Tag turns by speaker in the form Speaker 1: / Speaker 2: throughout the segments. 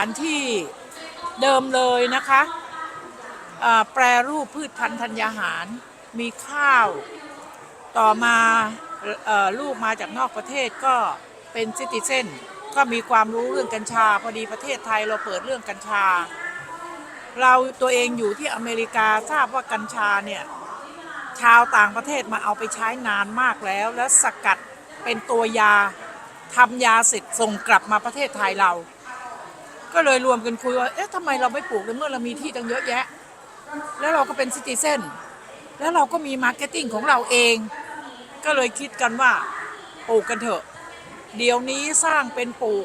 Speaker 1: อันที่เดิมเลยนะคะแปรรูปพืชพันธุ์ธัญญาหารมีข้าวต่อมาลูกมาจากนอกประเทศก็เป็นซิติเซนก็มีความรู้เรื่องกัญชาพอดีประเทศไทยเราเปิดเรื่องกัญชาเราตัวเองอยู่ที่อเมริกาทราบว่ากัญชาเนี่ยชาวต่างประเทศมาเอาไปใช้นานมากแล้วสกัดเป็นตัวยาทำยาเสร็จส่งกลับมาประเทศไทยเราก็เลยรวมกันคุยว่าเอ๊ะทำไมเราไม่ปลูกในเมื่อเรามีที่ตั้งเยอะแยะแล้วเราก็เป็นซิติเซนแล้วเราก็มีมาร์เก็ตติ้งของเราเองก็เลยคิดกันว่าปลูกกันเถอะเดี๋ยวนี้สร้างเป็นปลูก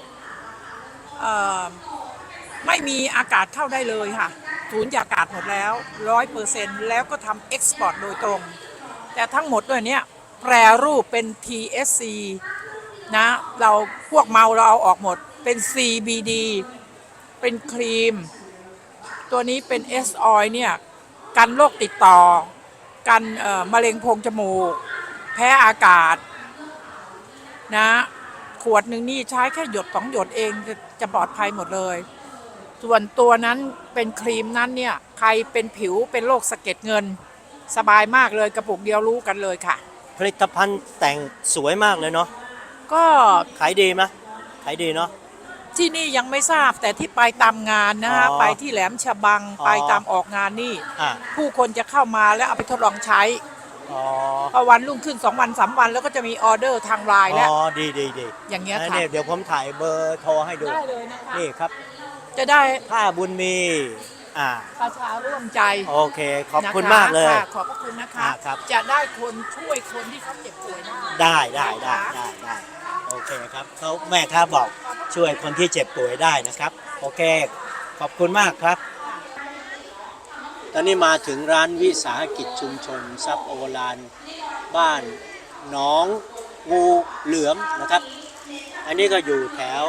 Speaker 1: ไม่มีอากาศเข้าได้เลยค่ะสูญญากาศหมดแล้ว 100% แล้วก็ทำเอ็กซ์พอร์ตโดยตรงแต่ทั้งหมดด้วยเนี้ยแปรรูปเป็น THC นะเราพวกเมาเราเอาออกหมดเป็น CBD เป็นครีมตัวนี้เป็น S oil เนี่ยกันโรคติดต่อกันมะเร็งโพรงจมูกแพ้อากาศนะขวดหนึ่งนี่ใช้แค่หยด2 หยดเองจะปลอดภัยหมดเลยส่วนตัวนั้นเป็นครีมนั้นเนี่ยใครเป็นผิวเป็นโรคสะเก็ดเงินสบายมากเลยกระปุกเดียวรู้กันเลยค่ะ
Speaker 2: ผลิตภัณฑ์แต่งสวยมากเลยเนาะ
Speaker 1: ก็
Speaker 2: ขายดีไหมขายดีเนาะ
Speaker 1: ที่นี่ยังไม่ทราบแต่ที่ไปตามงานนะฮะไปที่แหลมฉบังไปตามออกงานนี่ผู้คนจะเข้ามาแล้วเอาไปทดลองใช้พอวันรุ่งขึ้น2 วัน 3 วันแล้วก็จะมีออเดอร์ทางไลน์แล้ว
Speaker 2: ดี
Speaker 1: อย่างเงี้ยค่ะ
Speaker 2: เดี๋ยวผมถ่ายเบอร์โทรให้ดู
Speaker 1: ได้เลยนะคะ
Speaker 2: นี่ครับ
Speaker 1: จะได้
Speaker 2: ผ้าบุญมี
Speaker 1: ประชาร่วมใจ
Speaker 2: โอเคขอบคุณมากเลย
Speaker 1: ขอบพระคุณนะคะจะได้คนช่วยคนที่เขาเจ็บป่วย
Speaker 2: ได้โอเคครับเขาแม่ค้าบอกช่วยคนที่เจ็บป่วยได้นะครับโอเคขอบคุณมากครับตอนนี้มาถึงร้านวิสาหกิจชุมชนทรัพย์โอฬารบ้านหนองงูเหลือมนะครับอันนี้ก็อยู่แถว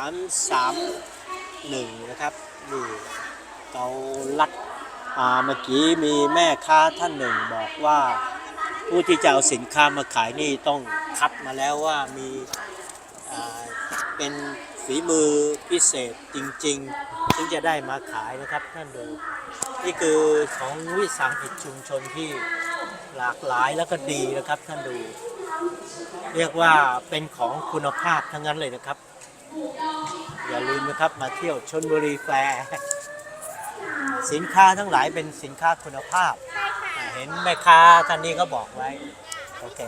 Speaker 2: 331นะครับนี่เกาลัดเมื่อกี้มีแม่ค้าท่านหนึ่งบอกว่าผู้ที่จะเอาสินค้ามาขายนี่ต้องคัดมาแล้วว่ามีเป็นฝีมือพิเศษจริงๆถึงจะได้มาขายนะครับท่านดูนี่คือของวิสาหกิจชุมชนที่หลากหลายแล้วก็ดีนะครับท่านดูเรียกว่าเป็นของคุณภาพทั้งนั้นเลยนะครับอย่าลืมนะครับมาเที่ยวชลบุรีแฟร์สินค้าทั้งหลายเป็นสินค้าคุณภาพเห็นแม่ค้าท่านนี้ก็บอกไว้โอเค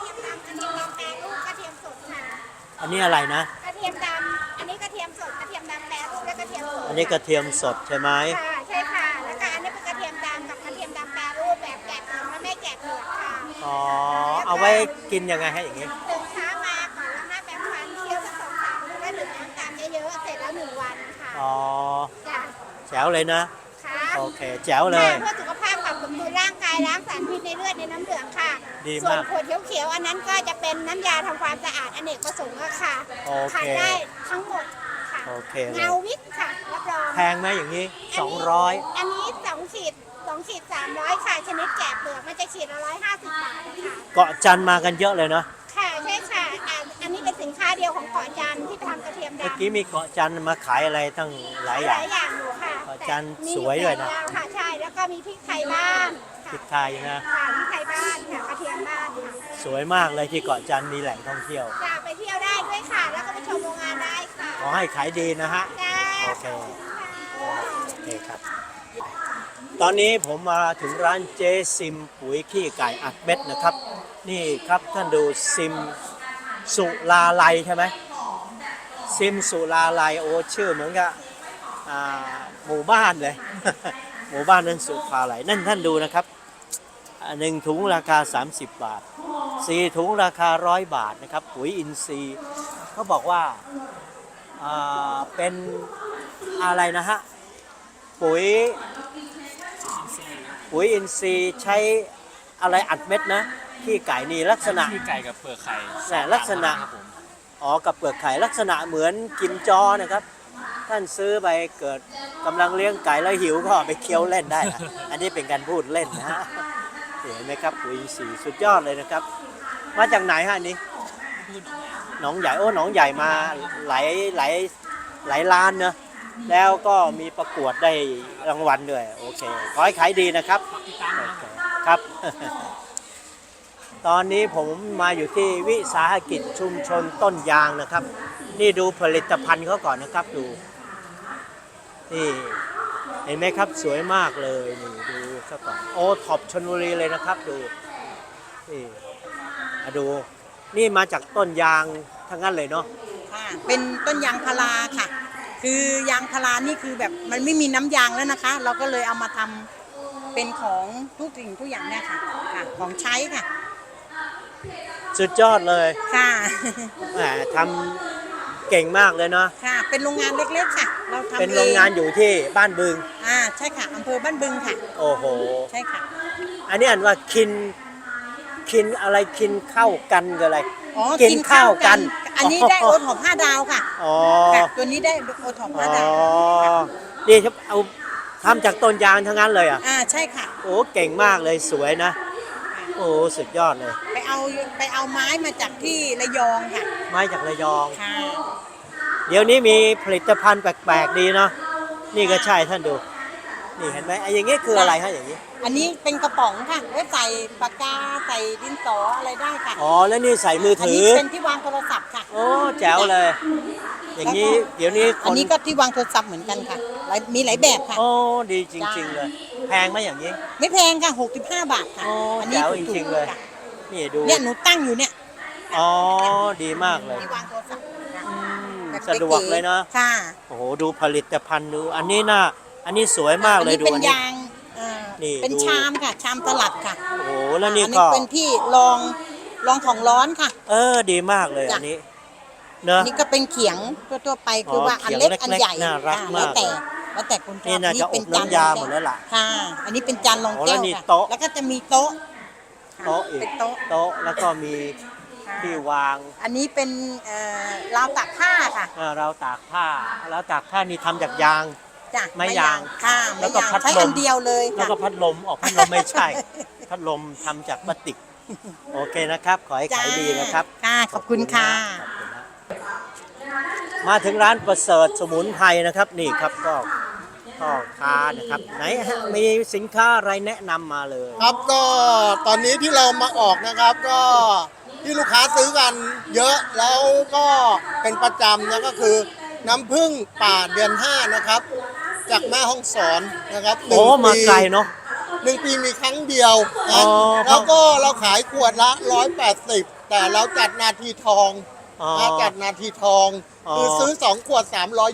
Speaker 2: อันนี้อะไรนะ
Speaker 3: กระเทียมดำอันนี้กระเทียมสดกระเทียมดำแปรรูปและกระเทียมสด
Speaker 2: อันนี้กระเทียมสดใช่ไหม
Speaker 3: ค่ะใช่ค่ะแล้วก็อันนี้เป็นกระเทียมดำกับกระเทียมดำแปรรูปแบบแกะเปลือกและไม่แกะเปลือกค่ะ
Speaker 2: เอาไว้กินยังไงให้อย่างงี้
Speaker 3: ตื่นเช้ามาก่อนแล้ว5 แปรงฟันเคี่ยวสัก2-3 มื้อแล้วดื่มน้ำตามเยอะๆเสร็จแล้ว1 วันค่ะจ้ะ
Speaker 2: แจ๋วเลยนะโอเคแจ๋วเลย
Speaker 3: เพื่อสุขภาพขับสมดุลร่างกายล้างสารพิษในเลือดในน้ำเหลืองค่ะส่วนขวดเขียวๆอันนั้นก็จะเป็นน้ำยาทำความสะอาดอเนกประสงค์ค่ะขายได้ทั้งหมดค่ะเงาวิทค่ะรับรอง
Speaker 2: แพงไหมอย่างนี้200
Speaker 3: อันนี้2 ขีด300ค่ะชนิดแกะเปลือกมันจะขีดละ150 บาทค่ะ
Speaker 2: เกาะจันมากันเยอะเลยเนาะ
Speaker 3: ค่ะใช่ค่ะอันนี้เป็นสินค้าเดียวของเกาะจันที่ทำกระเทียมดำ
Speaker 2: เมื่อกี้มีเกาะจันมาขายอะไรตั้งหลายอย่าง
Speaker 3: อยู่ค่ะ
Speaker 2: เกาะจันสวยด้วยนะ
Speaker 3: ค่ะใช่แล้วก็มีพริกไทยบ้าน
Speaker 2: พริกไทยนะ
Speaker 3: ค่ะพริกไทยบ้านค่ะกระเทียมบ้าน
Speaker 2: สวยมากเลยที่เกาะจันมีแหล่งท่องเที่ยว
Speaker 3: จะไปเที่ยวได้ด้วยค่ะแล้วก็ไปชมโรงงานได้ค่ะ
Speaker 2: ขอให้ขายดีนะฮะโอเคครับตอนนี้ผมมาถึงร้านเจซิมปุ๋ยขี้ไก่อัดเม็ดนะครับนี่ครับท่านดูซิมสุลาลัยใช่ไหมซิมสุลาลัยโอ้ชื่อเหมือนกับหมู่บ้านเลย หมู่บ้านนั้นสุลาลัยนั่นท่านดูนะครับ1 ถุงราคา30 บาท4 ถุงราคา100 บาทนะครับปุ๋ยอินทรีย์เขาบอกว่าเป็นอะไรนะฮะปุ๋ยอินทรีย์ใช้อะไรอัดเม็ดนะขี้ไก่นี่ลักษณะ
Speaker 4: ขี้ไก่กับเปลือกไข่
Speaker 2: แต่ลักษณะกับเปลือกไข่ลักษณะเหมือนกิมจอนะครับท่านซื้อไปเกิดกำลังเลี้ยงไก่แล้วหิวก็ไปเคี้ยวเล่นได้นะอันนี้เป็นการพูดเล่นนะฮะเห็นไหมครับปุ๋ยอินทรีย์สุดยอดเลยนะครับมาจากไหนฮะนี้หนองใหญ่หนองใหญ่มาหลายล้านเนอะแล้วก็มีประกวดได้รางวัลด้วยโอเคขอให้ขายดีนะครับโอเคครับ ตอนนี้ผมมาอยู่ที่วิสาหกิจชุมชนต้นยางนะครับ นี่ดูผลิตภัณฑ์เขาก่อนนะครับดูนี่เห็นไหมครับสวยมากเลยนี่ดูซะก่อนโอท็อปชลบุรีเลยนะครับดูนี่มาดูนี่มาจากต้นยางทั้งนั้นเลยเนาะ
Speaker 4: ค่ะเป็นต้นยางพาราค่ะ คือยางพารานี่คือแบบมันไม่มีน้ำยางแล้วนะคะ เราก็เลยเอามาทำเป็นของทุกสิ่งทุกอย่างเนี่ยค่ะค่ะของใช้ค่ะ
Speaker 2: สุดยอดเลย
Speaker 4: ค่ะ
Speaker 2: แหมทำเก่งมากเลยเนาะ
Speaker 4: ค่ะเป็นโรงงานเล็กๆค่ะ เราทำ
Speaker 2: เป็นโรงงานอยู่ที่บ้านบึง
Speaker 4: ใช่ค่ะอำเภอบ้านบึงค่ะ
Speaker 2: โอ้โห
Speaker 4: ใช่ค่ะ
Speaker 2: อันนี้อ่านว่าคินอะไรคินเข้ากันกับอะไร
Speaker 4: อ๋อ
Speaker 2: กินข้าวกัน
Speaker 4: อันนี้ได้โอท็อป5 ดาวค่ะ
Speaker 2: อ๋อ
Speaker 4: ค่ะตัวนี้ได้โอท็อป
Speaker 2: อ๋อ
Speaker 4: 5 ดาว
Speaker 2: นี่ครับเอาทำจากต้นยางทั้งนั้นเลยอ่ะ
Speaker 4: ใช่ค่ะ
Speaker 2: โอ้เก่งมากเลยสวยนะ โอ้สุดยอดเลย
Speaker 4: ไปเอาไม้มาจากที่ระยองค่ะ
Speaker 2: ไม้จากระยอง
Speaker 4: ค่ะ
Speaker 2: เดี๋ยวนี้มีผลิตภัณฑ์แปลกๆดีเนาะนี่ก็ใช่ท่านดู นี่เห็นไหมไอ้อย่างนี้คืออะไรฮะอย่างนี้
Speaker 4: อันนี้เป็นกระป๋องค่ะไว้ใส่ปากกาใส่ดินสออะไรได้ค่ะ
Speaker 2: อ๋อแล้วนี่ใส่มือ
Speaker 4: อัน
Speaker 2: ถื
Speaker 4: นี้
Speaker 2: อ
Speaker 4: เป็นที่วางโทรศัพท์ค่ะ
Speaker 2: โอ้แจ๋วเลย อย่างนี้เดี๋ยวนี้ค
Speaker 4: อัน
Speaker 2: น
Speaker 4: นี้ก็ที่วางโทรศัพท์เหมือนกันค่ะมีหลายแบบค่ะ
Speaker 2: โอ้ดีจริง ๆ เลย แพงไหมอย่างนี้
Speaker 4: ไม่แพงค่ะ65 บาทค่ะ
Speaker 2: โอ้
Speaker 4: นี้
Speaker 2: แจ๋ว
Speaker 4: ถูก
Speaker 2: จริงๆเลย
Speaker 4: ค่ะ
Speaker 2: นี่ดู
Speaker 4: เนี่ยหนูตั้งอยู่เนี่ย
Speaker 2: อ๋อดีมากเลย
Speaker 4: ที่วางโทรศัพท์ค่ะ
Speaker 2: อืม
Speaker 4: แบบ
Speaker 2: สะดวกเลยเนาะ
Speaker 4: ค่ะ
Speaker 2: โอ้โหดูผลิตภัณฑ์ดูอันนี้น่าอันนี้สวยมากเลย
Speaker 4: อัน
Speaker 2: ดู
Speaker 4: นี้เป็น
Speaker 2: อันนี้
Speaker 4: ยาง
Speaker 2: นี่
Speaker 4: เป็น
Speaker 2: ดู
Speaker 4: ชามค่ะ ชามตลับค่ะ
Speaker 2: โอ้โหแล้วนี่
Speaker 4: อัน
Speaker 2: ก็
Speaker 4: นี้เป็นที่รองของร้อนค่ะ
Speaker 2: ดีมากเลย
Speaker 4: จ้ะ
Speaker 2: อันนี้เนอะ
Speaker 4: อันนี้ก็เป็นเขียงทั่วๆไปคือว่าอันเล็กอันใหญ่
Speaker 2: น่ารัก
Speaker 4: แล้ว
Speaker 2: มาก
Speaker 4: แต่คนชอบ
Speaker 2: นี่น่าจะ
Speaker 4: เป็
Speaker 2: อบน้ำยาหมดแล้วล่ะ
Speaker 4: ค่ะ อันนี้เป็นจานรอง
Speaker 2: โอ้
Speaker 4: แก้
Speaker 2: แล้ว
Speaker 4: ว
Speaker 2: นี่
Speaker 4: ค่ะ
Speaker 2: โต๊ะ
Speaker 4: แล้วก็จะมีโต๊ะค่ะ
Speaker 2: โต๊ะอีก
Speaker 4: เป็นโต๊ะ
Speaker 2: โต๊ะแล้วก็มีที่วาง
Speaker 4: อันนี้เป็นราวตากผ้าค่ะ
Speaker 2: เราตากผ้าแล้วตากผ้านี่ทำจากยาง
Speaker 4: จ้ะ
Speaker 2: ไม้ยาง
Speaker 4: ค่ะ
Speaker 2: แล้
Speaker 4: ไม้
Speaker 2: วก็
Speaker 4: ยาง
Speaker 2: พัด
Speaker 4: ใช้
Speaker 2: ลม
Speaker 4: อันเดียวเลย
Speaker 2: แล้ว
Speaker 4: ค่ะ
Speaker 2: ก็พัดลมพัดลมไม่ใช่ พัดลมทำจากพลาสติก โอเคนะครับ ขอให้ขายดีนะครับ
Speaker 4: ค่ะขอบคุณค่ะ
Speaker 2: ขอบคุณนะมาถึงร้านประเสริฐสมุนไพรนะครับนี่ครับก็พ่อค้านะครับไหนฮะมีสินค้าอะไรแนะนำมาเลย
Speaker 5: ครับก็ตอนนี้ที่เรามาออกนะครับก็ที่ลูกค้าซื้อกันเยอะแล้วก็เป็นประจำนะก็คือน้ำผึ้งป่าเดือน 5นะครับจากแม่ฮ่องสอนนะครับ
Speaker 2: โอ้มาไกลเนาะ
Speaker 5: 1 ปีมีครั้งเดียว
Speaker 2: อ๋
Speaker 5: นะ
Speaker 2: อ
Speaker 5: แล้วก็เราขายขวดละ180แต่เราจัดนาทีทอง
Speaker 2: อ๋อ
Speaker 5: นะจัดนาทีทอง
Speaker 2: อ๋อ
Speaker 5: คือซื้อ2 ขวด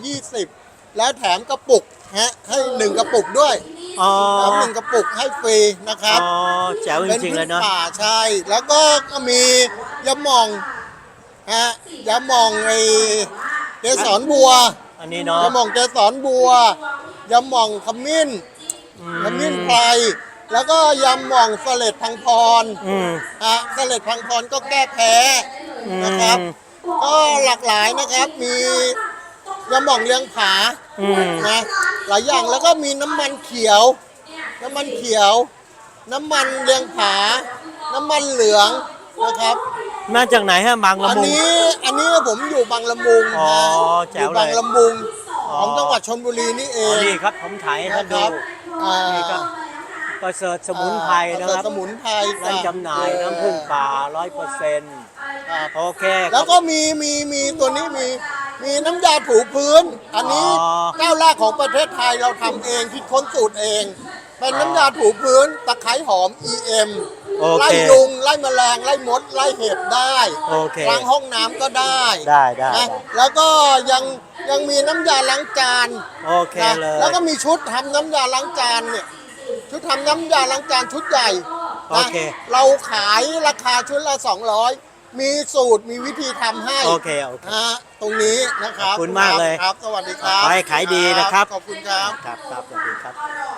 Speaker 5: 320แล้วแถมกระปุกฮะให้1 กระปุกด้วย
Speaker 2: อ๋อ
Speaker 5: แถม1 กระปุกให้ฟรีนะครับ
Speaker 2: อ๋อแจ๋วจริงๆเลยเนาะ
Speaker 5: ป็นพึ่งป่าใช่ แล้วก็มียาหม่องฮะยาหม่องไอ้เกสรบัว
Speaker 2: อันนี้เนาะ
Speaker 5: ยาหม่องเกสรบัวยาหม่องขมิ้นขมิ้นไพรแล้วก็ยาหม่องเสล็ดพังพร
Speaker 2: อืม
Speaker 5: ฮะเสล็ดพังพรก็แก้แพ้นะครับ ก็หลากหลายนะครับมียาหม่องเลี้ยงผา
Speaker 2: อืม
Speaker 5: นะหลายอย่างแล้วก็มีน้ำมันเขียว น้ำมันเขียว น้ำมันเลี้ยงผา น้ำมันเหลืองนะครับ
Speaker 2: มาจากไหนฮะบางละ
Speaker 5: อัน
Speaker 2: มุง
Speaker 5: นี้ผมอยู่บางละมุง
Speaker 2: อ๋อ
Speaker 5: นะ
Speaker 2: แจ๋
Speaker 5: อ
Speaker 2: ว
Speaker 5: ยู่
Speaker 2: เลย
Speaker 5: บางละมุง
Speaker 2: อ๋อ
Speaker 5: ของจังหวัดชลบุรีนี่เอ
Speaker 2: อ๋อง นี่ครับผมถ่ายให้ท่าน
Speaker 5: นะค
Speaker 2: ดู
Speaker 5: รับอ่า
Speaker 2: นี่ครับประเสริฐสมุนไพรนะครับ
Speaker 5: สมุนไพร
Speaker 2: ร้านจำหน่ายน้ำผึ้งป่า
Speaker 5: ครับ
Speaker 2: 100%โอเค
Speaker 5: แล้วก็มีตัวนี้มีน้ำยาถูพื้น อันนี้
Speaker 2: อ๋อ
Speaker 5: เจ้าแรกของประเทศไทยเราทำเองคิดค้นสูตรเอง เป็นน้ำยาถูพื้นตะไคร้หอม EM
Speaker 2: โอเค
Speaker 5: ไล่ยุง ไล่แมลง ไล่มด ไล่เห็บได้
Speaker 2: โอเค
Speaker 5: ล้างห้องน้ำก็ได้
Speaker 2: ได้
Speaker 5: นะแล้วก็ยังมีน้ำยาล้างจาน
Speaker 2: โอเค
Speaker 5: นะ
Speaker 2: เลย
Speaker 5: แล้วก็มีชุดทำน้ำยาล้างจานเนี่ยชุดทำน้ำยาล้างจานชุดใหญ่
Speaker 2: โอ
Speaker 5: นะ
Speaker 2: เค
Speaker 5: เราขายราคาชุดละ 200 มีสูตรมีวิธีทำให้
Speaker 2: โอเค
Speaker 5: ตรงนี้นะครับ
Speaker 2: ขอบคุณมากเลย
Speaker 5: ครับ สวัสดีครับ
Speaker 2: ขอให้ขายดีนะครับ
Speaker 5: ขอบคุณครับ
Speaker 2: ครับสวัสดีครับ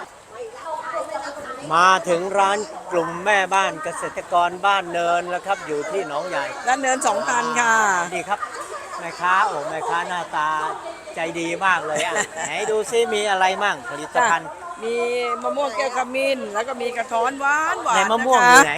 Speaker 2: มาถึงร้านกลุ่มแม่บ้านเกษตรกรบ้านเนินแล้วครับ อยู่ที่หนองใหญ่
Speaker 1: ด้านเนิน2,000ค่ะ
Speaker 2: นี่ครับแม่ค้าแม่ค้าหน้าตาใจดีมากเลยอ่ะ ไหนดูซิมีอะไรมั่งผลิตภัณฑ์
Speaker 1: มีมะม่วงแก้วขมิ้นแล้วก็มีกระท้อนหวานหวาน
Speaker 2: ในมะม่วงอยู่ไหน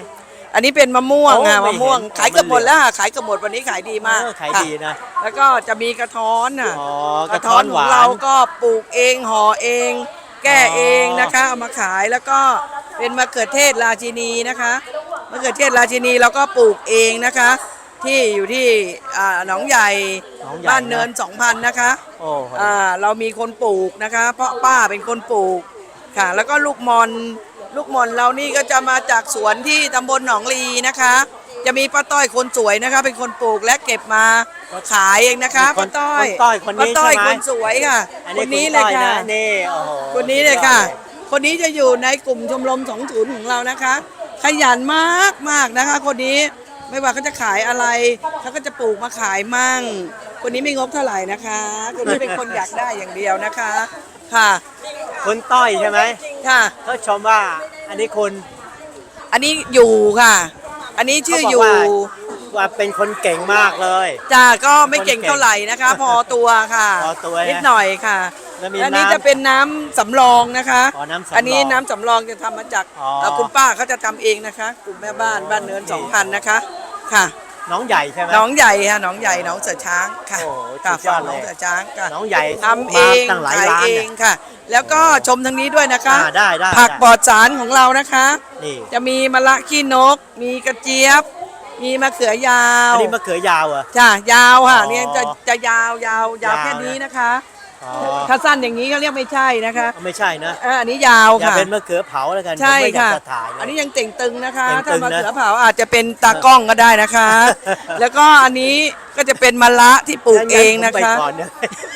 Speaker 6: อันนี้เป็นมะม่วง
Speaker 2: โอ้
Speaker 6: ค่ะ
Speaker 2: ไม่
Speaker 6: มะม่วง
Speaker 2: เห็น
Speaker 6: ขายเกือบหมดแล้วค่ะขายเกือบหมดวันนี้ขายดีมาก
Speaker 2: ขายดีนะ
Speaker 6: ค่ะแล้วก็จะมีกระท้อนอ่ะ
Speaker 2: อ๋อกระท้อนห
Speaker 6: ข
Speaker 2: วา
Speaker 6: อง
Speaker 2: น
Speaker 6: เราก็ปลูกเองห่อเอง แก้เอง
Speaker 2: อ๋อ
Speaker 6: นะคะเอามาขายแล้วก็เป็นมะเขือเทศราชินีนะคะมะเขือเทศราชินีเราก็ปลูกเองนะคะ ที่อยู่ที่หนองใหญ่
Speaker 2: หนองใหญ่
Speaker 6: บ้านเนิน 2,000 นะคะ
Speaker 2: โอ้โห
Speaker 6: เรามีคนปลูกนะคะ เพราะป้าเป็นคนปลูกค่ะ แล้วก็ลูกมอนเรานี่ก็จะมาจากสวนที่ตำบลหนองลีนะคะ จะมีป้าต้อยคนสวยนะคะ เป็นคนปลูกและเก็บมาขายเองนะคะป้าต้อย
Speaker 2: คนต้อยคนนี้
Speaker 6: ป้าต้อย
Speaker 2: ใช่ไหม
Speaker 6: คนสวยค่ะ
Speaker 2: อัน
Speaker 6: ค
Speaker 2: นี้
Speaker 6: นนี้เลยค่ะ
Speaker 2: ณต้อนี่โอ้โห
Speaker 6: คนนี้เลยค่ะ
Speaker 2: สุดยอดเลย
Speaker 6: คนนี้จะอยู่ในกลุ่มชมรม20ของเรานะคะ ขยันมากนะคะ คนนี้ไม่ว่าเขาจะขายอะไรเขาก็จะปลูกมาขายมั่ง คนนี้ไม่งกเท่าไหร่นะคะ คนนี้เป็นคนอยากได้อย่างเดียวนะคะค่ะ
Speaker 2: คุณต้อยใช่ไหม
Speaker 6: ค่ะ
Speaker 2: เขาชมว่าอันนี้คุณ
Speaker 6: อันนี้อยู่ค่ะ อันนี้ชื่ออยู่
Speaker 2: เขาบอกว่าเป็นคนเก่งมากเลย
Speaker 6: จ้าก็ไม่เก่งเท่าไหร่นะคะ พอตัวค่ะ
Speaker 2: พอตัว
Speaker 6: นิดหน่อยค่ะ
Speaker 2: แล้วมี
Speaker 6: อันนี้
Speaker 2: น้ำ
Speaker 6: จะเป็นน้ำสำรองนะคะ
Speaker 2: อ๋อน้ำสำรอง
Speaker 6: อันนี้น้ำสำรองจะทำมาจาก
Speaker 2: อ๋อ
Speaker 6: คุณป้าเขาจะทำเองนะคะ กลุ่มแม่บ้านบ้านเนิน 2,000นะคะค่ะ
Speaker 2: น้องใหญ่ใช่ไหม
Speaker 6: หน้องใหญ่ค่ะหน้องใหญ่หน้องเสือช้างค่ะ
Speaker 2: โอ้โห
Speaker 6: ค่ะ
Speaker 2: สุดยอ
Speaker 6: ฝั่
Speaker 2: ด
Speaker 6: ง
Speaker 2: เลย
Speaker 6: หน้องเสือช้างค่ะ
Speaker 2: น้องใหญ่
Speaker 6: ทำเอง
Speaker 2: มาตั้งหลาย
Speaker 6: ขาย
Speaker 2: ร้าน
Speaker 6: เอ
Speaker 2: เนี่ย
Speaker 6: งค่ะ แล้วก็ชมทางนี้ด้วยนะคะ
Speaker 2: ได้
Speaker 6: ผักปลอดสารของเรานะคะ
Speaker 2: นี่
Speaker 6: จะมีมะละขี้นก มีกระเจี๊ยบ มีมะเขือยาว
Speaker 2: อันนี้มะเขือยาวเหรอ่ะ
Speaker 6: จ้ะยาวค่ะ
Speaker 2: อ๋อ
Speaker 6: เนี่ยจะยาวยาวแค่นี้นะคะ
Speaker 2: อ๋อ
Speaker 6: ถ้าสั้นอย่างนี้ก็เรียกไม่ใช่นะคะ
Speaker 2: ไม่ใช่นะ
Speaker 6: อันนี้ยาว
Speaker 2: อย่า
Speaker 6: ค่ะ
Speaker 2: เป็นมะเขือเผาแล้วกัน
Speaker 6: ใช่
Speaker 2: ผมไม่อยา
Speaker 6: ค่ะ
Speaker 2: กจะถ่ายเลย
Speaker 6: อันนี้ยังเต่งตึงนะคะ
Speaker 2: เต่งตึ
Speaker 6: ถ้าง
Speaker 2: นะ
Speaker 6: มะเขือเผาอาจจะเป็นตากล้องก็ได้นะคะ แล้วก็อันนี้ก็จะเป็นมะละที่ปลูกเองนะ
Speaker 2: งั้ผมไป
Speaker 6: คะ
Speaker 2: ก่อนเนี่ย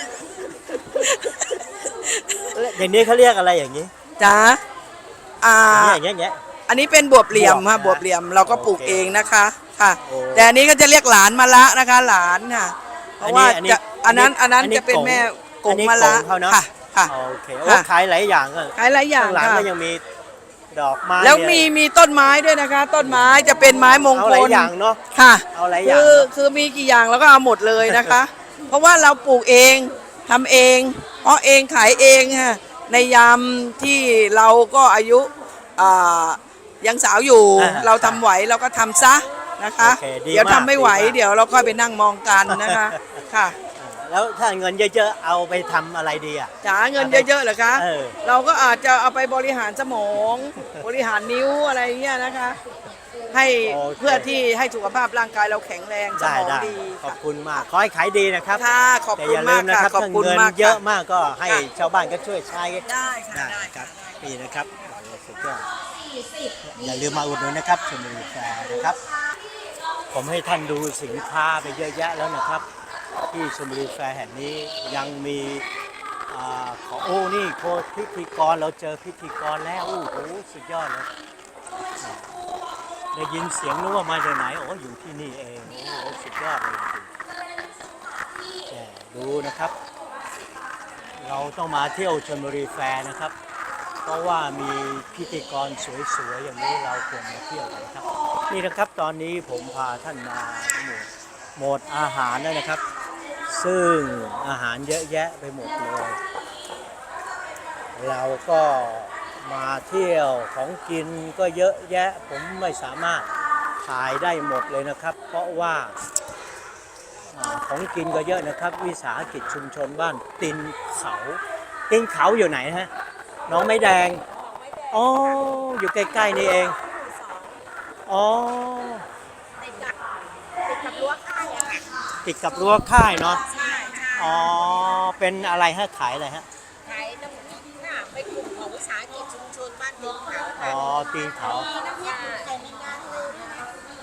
Speaker 2: อย่างนี้เขาเรียกอะไรอย่างนี้
Speaker 6: จ้าอ่า
Speaker 2: อย่างเงี้ย
Speaker 6: อันนี้เป็นบวบเหลี่ยมค่ะ
Speaker 2: บบ ว
Speaker 6: ว
Speaker 2: บบ เห
Speaker 6: เห
Speaker 2: ลี่
Speaker 6: ลี่
Speaker 2: ย
Speaker 6: ย
Speaker 2: ม
Speaker 6: มเราก็ปลูกเองนะคะค่ะ
Speaker 2: โอ้
Speaker 6: แต่อันนี้ก็จะเรียกหลานมะละนะคะ หลานค่ะ เพราะว่า
Speaker 2: อันนี้
Speaker 6: จะอันนั้น
Speaker 2: อันนี้
Speaker 6: จะเป็นแม่
Speaker 2: อั
Speaker 6: ก
Speaker 2: น
Speaker 6: ง
Speaker 2: นี้
Speaker 6: มะละ
Speaker 2: กงเขาเนอะ
Speaker 6: ค่ะค่ะ
Speaker 2: โอเคโอ้
Speaker 6: ค่ะ
Speaker 2: ขายหลายอย่างอ่ะ
Speaker 6: ขายหลายอย่าง
Speaker 2: ข้างหลัง
Speaker 6: ค่ะ
Speaker 2: ก็ยังมีดอกไม้
Speaker 6: แล้ว
Speaker 2: เนี่ย
Speaker 6: มีต้นไม้ด้วยนะคะ ต้นไม้จะเป็นไม้มง
Speaker 2: เอา
Speaker 6: ค
Speaker 2: หลาย
Speaker 6: ล
Speaker 2: อย่างเนาะ
Speaker 6: ค่ะ
Speaker 2: เอาหลายอย่าง
Speaker 6: คือมีกี่อย่างแล้วก็เอาหมดเลยนะคะ เพราะว่าเราปลูกเองทำเองเพาะเองขายเองค่ะในยามที่เราก็อายุอ่ายังสาวอยู่ เราทำไหวเราก็ทำซะนะคะ
Speaker 2: โอเคดี
Speaker 6: เดี๋ยว
Speaker 2: มาก
Speaker 6: ทำไม่ไหว
Speaker 2: ดีมาก
Speaker 6: เดี๋ยวเราค่อยไปนั่งมองกันนะคะค่ะ
Speaker 2: แล้วถ้าเงินเยอะๆเอาไปทำอะไรดีอ่ะ
Speaker 6: จ๋าเงินเยอะๆเหรอคะ
Speaker 2: เออ
Speaker 6: เราก็อาจจะเอาไปบริหารสมอง บริหารนิ้วอะไรเงี้ยนะคะ ให้
Speaker 2: โอเค
Speaker 6: เพื่อที่ให้สุขภาพร่างกายเราแข็งแรงส
Speaker 2: ได้
Speaker 6: มอง
Speaker 2: ได้
Speaker 6: ดี
Speaker 2: ขอบคุณมาก ขอให้ขายดีนะครับ
Speaker 6: ค่ะขอบ
Speaker 2: แต่
Speaker 6: คุ
Speaker 2: อ
Speaker 6: ณ
Speaker 2: ย่าลื
Speaker 6: มาก
Speaker 2: มนะ
Speaker 6: ค่ะ
Speaker 2: ครับ
Speaker 6: ขอบ
Speaker 2: ถ้า
Speaker 6: คุณ
Speaker 2: เงิน
Speaker 6: มาก
Speaker 2: เยอะ
Speaker 6: ค่ะ
Speaker 2: มากก็ให้
Speaker 6: ค่ะ
Speaker 2: ชาวบ้านก็ช่วยใช้
Speaker 6: ได้ค่ะ
Speaker 2: ได้
Speaker 6: ได้
Speaker 2: ครับนี่นะครับโอ้สุดยอดอย่าลืมมาอุดหนุนนะครับชลบุรีแฟร์นะครับ ผมให้ท่านดูสินค้าไปเยอะแยะแล้วนะครับ ที่ชลบุรีแฟร์แห่งนี้ยังมีของโอ้นี่โคพิธีกรเราเจอพิธีกรแล้วโอ้โหสุดยอดเลยได้ยินเสียงนึกว่ามาจากไหนโอ้อยู่ที่นี่เองโอ้โหสุดยอดเลยจริงๆแต่ดูนะครับ เราต้องมาเที่ยวชลบุรีแฟร์นะครับ เพราะว่ามีพิธีกรสวยๆอย่างนี้เราควรมาเที่ยวกันครับ นี่นะครับตอนนี้ผมพาท่านมาหมดอาหารแล้วนะครับ ซึ่งอาหารเยอะแยะไปหมดเลย เราก็มาเที่ยวของกินก็เยอะแยะผมไม่สามารถถ่ายได้หมดเลยนะครับ เพราะว่าของกินก็เยอะนะครับ วิสาหกิจชุมชนบ้านตีนเขาอยู่ไหนฮะน้องไม้แดงอ๋ออยู่ใกล้ๆนี่เองอ๋อ
Speaker 3: ติดกับรั้วค่ายอะค่ะ
Speaker 2: ติดกับรั้วค่ายเนาะ
Speaker 3: ใช่ใช่
Speaker 2: อ๋อเป็นอะไรฮะขายอะไรฮะ
Speaker 3: ขายน้ำพริกค่ะเป็นกลุ่มของวิสาหกิจชุมชนบ้านตีนเขา
Speaker 2: อ๋
Speaker 3: ค่ะ
Speaker 2: อตีนเขา
Speaker 3: มีน้ำพริกไข่แมงดาเลยนะคะ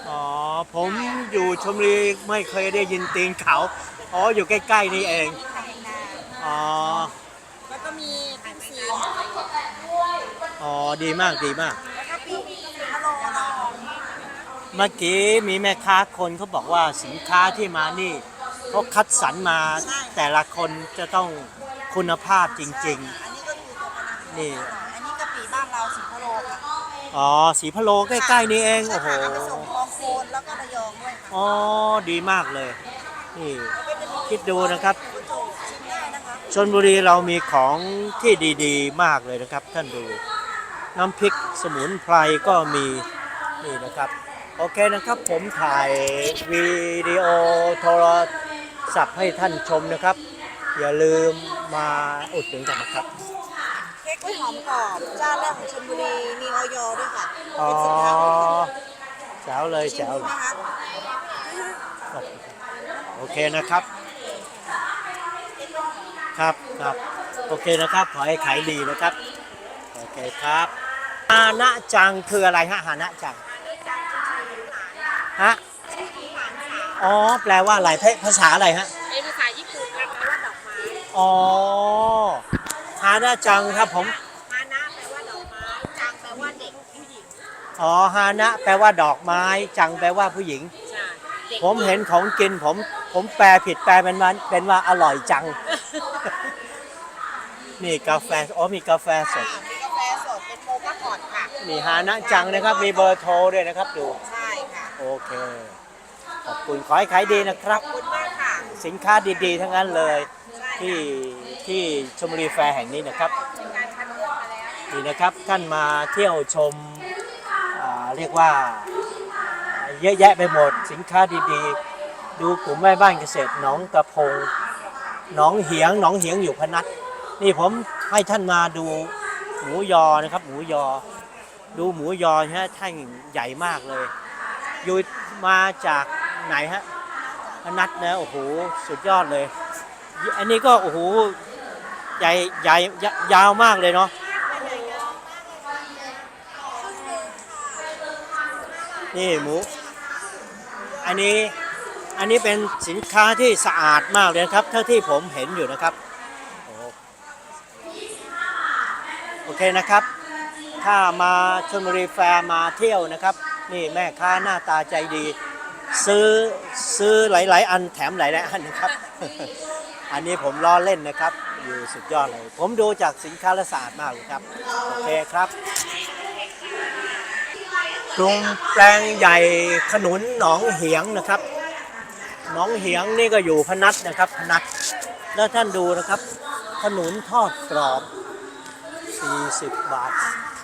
Speaker 2: อ๋อผมอยู่ชลบุรีไม่เคยได้ยินตีนเขาอ๋ออยู่ใกล้ๆนี่เอง
Speaker 3: ไข่แมงดา
Speaker 2: อ๋อ
Speaker 3: แล้วก็มีผักซีน
Speaker 2: อ๋อดีมากดีมาก
Speaker 3: แล้วก็ปีมะโรง
Speaker 2: เมื่อกี้มีแม่ค้าคนเขาบอกว่าสินค้าที่มานี่เขาคัดสรรมาแต่ละคนจะต้องคุณภาพจริง
Speaker 3: อันนี้ก็คือตัวกระนัง
Speaker 2: ๆ นี่
Speaker 3: อันนี้กะปิบ้านเราสีพะโลค่ะ
Speaker 2: อ๋อสีพะโลใกล้ๆนี่เองโอ้โห
Speaker 3: เอาไปส่งคลองโคนแล้วก็ระยองด้วยค่ะ
Speaker 2: อ๋อดีมากเลยนี่คิดดูนะครับ
Speaker 3: คุณโจชิมได้นะคะ
Speaker 2: ชลบุรีเรามีของที่ดีๆมากเลยนะครับท่านดูน้ำพริกสมุนไพรก็มีนี่นะครับโอเคนะครับผมถ่ายวิดีโอโทรศัพท์ให้ท่านชมนะครับ อย่าลืมมาอุดหนุนกันนะครับ
Speaker 4: เค้กกล้วยหอมกรอบเจ้าแรกของชลบุรีมีออยด้วยค่ะ
Speaker 2: อ๋อ
Speaker 4: เป็นสินค้าของ
Speaker 2: แจ๋วเลย
Speaker 4: ชิ
Speaker 2: แจ๋
Speaker 4: ม
Speaker 2: ว
Speaker 4: ดู
Speaker 2: เล
Speaker 4: ไหม
Speaker 2: ย
Speaker 4: คะ
Speaker 2: โอเคนะครับ ครับครับโอเคนะครับ ขอให้ขายดีนะครับ โอเคครับฮานะจังคืออะไรฮะฮานะจังฮะอ๋อแปลว่าอะไรภาษาอะไรฮะ
Speaker 3: เป็นภาษาญี่ปุ่นแปลว่าดอกไม้
Speaker 2: อ๋อฮานะจังครับผม
Speaker 3: ฮานะแปลว่าดอกไม้จังแปลว่าเด็กผู้หญิง
Speaker 2: อ๋อฮานะแปลว่าดอกไม้จังแปลว่าผู้หญิง
Speaker 3: ใช่เด็ก
Speaker 2: ผมเห็นของกินผมแปลผิดแปลเป็นว่าอร่อยจัง นี่กาแฟอ๋อมีกาแฟสด
Speaker 4: มีกาแฟสดเป็นโมคาพอตค่ะ
Speaker 2: นี่ฮานะจังนะครับมีเบอร์โทรด้วยนะครับดู
Speaker 4: ใช่ค่ะ
Speaker 2: โอเคขอบคุณขอให้ขายดีนะครับ
Speaker 4: ขอบคุณมากค่ะ
Speaker 2: สินค้าดีๆ ทั้งนั้นเลยที่ชลบุรีแฟร์แห่งนี้นะครับนี่นะครับท่านมาเที่ยวชมเรียกว่าเยอะแยะไปหมดสินค้าดีๆ ดูกลุ่มแม่บ้านเกษตรหนองกระพงหนองเหียงอยู่พนัสนี่ผมให้ท่านมาดูหมูยอนะครับหมูยอดูหมูยอฮะท่านใหญ่มากเลยอยู่มาจากไหนฮะพนัสนะโอ้โหสุดยอดเลยอันนี้ก็โอ้โหใหญ่ยาวมากเลยเนาะนี่หมูอันนี้เป็นสินค้าที่สะอาดมากเลยครับเท่าที่ผมเห็นอยู่นะครับโอเคนะครับ ถ้ามาชลบุรีแฟร์มาเที่ยวนะครับนี่แม่ค้าหน้าตาใจดีซื้อหลายๆอันแถมหลายๆอันนะครับ อันนี้ผมล้อเล่นนะครับอยู่สุดยอดเลยผมดูจากสินค้าและสะอาดมากเลยครับโอเคครับกรุงแปลงใหญ่ขนุนหนองเหียงนะครับหนองเหียงนี่ก็อยู่พนัสนะครับพนัสแล้วท่านดูนะครับขนุนทอดกรอบ40 บาท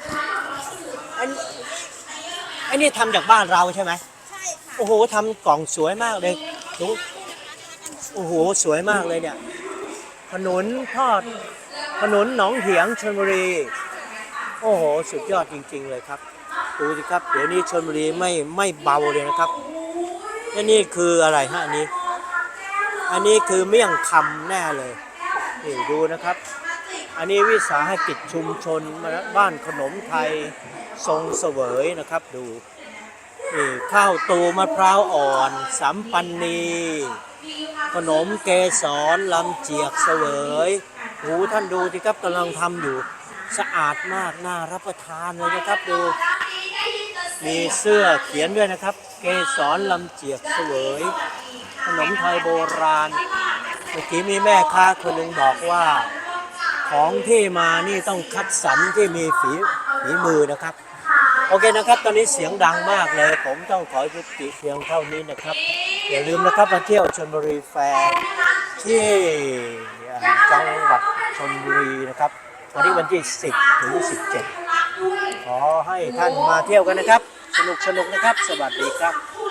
Speaker 2: อันนี้ทำจากบ้านเราใช่ไหมใช่ค่ะโอ้โหทำกล่องสวยมากเลยดูโอ้โหสวยมากเลยเนี่ยขนุนทอดขนุนหนองเหียงชลบุรีโอ้โหสุดยอดจริงๆเลยครับดูสิครับเดี๋ยวนี้ชลบุรีไม่เบาเลยนะครับและนี่คืออะไรฮะอันนี้คือเมี่ยงคำแน่เลยนี่ดูนะครับอันนี้วิสาหกิจชุมชนบ้านขนมไทยทรงเสวยนะครับดูนี่ข้าวตูมะพร้าวอ่อนสัมปันนีขนมเกสรลำเจียกเสวยหูท่านดูสิครับกำลังทำอยู่สะอาดมากน่ารับประทานเลยนะครับดูมีเสื้อเขียนด้วยนะครับเกสรลำเจียกเสวยขนมไทยโบราณเมื่อกี้มีแม่ค้าคนหนึ่งบอกว่าของที่มานี่ต้องคัดสรรที่มีฝีมือนะครับโอเคนะครับตอนนี้เสียงดังมากเลยผมต้องขอยุติเพียงเท่านี้นะครับอย่าลืมนะครับมาเที่ยวชลบุรีแฟร์ที่จังหวัดชลบุรีนะครับวันที่10 ถึง 17ขอให้ท่านมาเที่ยวกันนะครับสนุกนะครับสวัสดีครับ